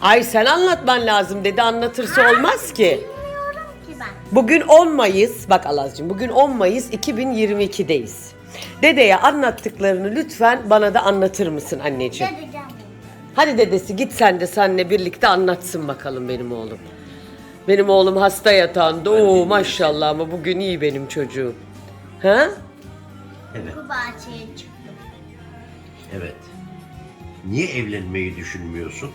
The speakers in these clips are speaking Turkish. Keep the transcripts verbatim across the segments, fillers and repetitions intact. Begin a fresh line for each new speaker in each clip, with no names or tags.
Ay sen anlatman lazım dedi, anlatırsa olmaz ki.
Bilmiyorum ki ben.
Bugün on Mayıs, bak Alazcığım, bugün on Mayıs iki bin yirmi iki'deyiz. Dedeye anlattıklarını lütfen bana da anlatır mısın anneciğim?
Dedeceğim.
Hadi dedesi git sen de seninle birlikte anlatsın bakalım benim oğlum. Benim oğlum hasta yatağında. Oo maşallah, ama bugün iyi benim çocuğum. Ha?
Evet,
Bu bahçeye çıktım.
evet. Niye evlenmeyi düşünmüyorsun?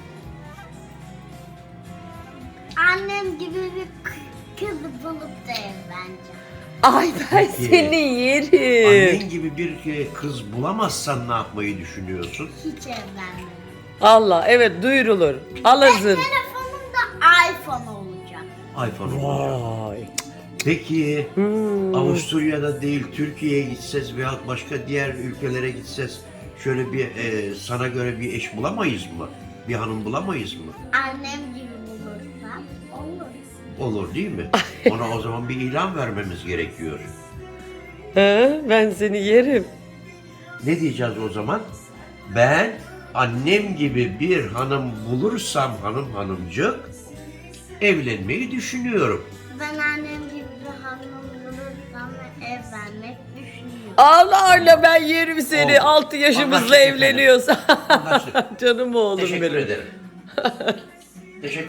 Annem gibi bir k- kız bulup da evleneceğim.
Ay ben
Peki.
seni yerim.
Annen gibi bir e, kız bulamazsan ne yapmayı düşünüyorsun?
Hiç evlenmedim.
Allah, evet, duyurulur. Alazın.
Telefonum da iPhone olacak.
iPhone olacak.
Vay.
Peki
Hmm.
Avusturya'da değil Türkiye'ye gitseniz veya başka diğer ülkelere gitseniz şöyle bir e, sana göre bir eş bulamayız mı? Bir hanım bulamayız mı?
Annem gibi bulursam olur.
Olur değil mi? Ona o zaman bir ilan vermemiz gerekiyor.
Ha, ben seni yerim.
Ne diyeceğiz o zaman? Ben annem gibi bir hanım bulursam hanım hanımcık evlenmeyi düşünüyorum.
Ben annem gibi bir hanım bulursam ve evlenmek düşünüyorum.
Allah Allah, ben yerim seni.
Oldu.
altı yaşımızda
Anlaştık efendim.
evleniyorsa.
Anlaştık.
Canım oğlum
Teşekkür
benim.
ederim. Teşekkür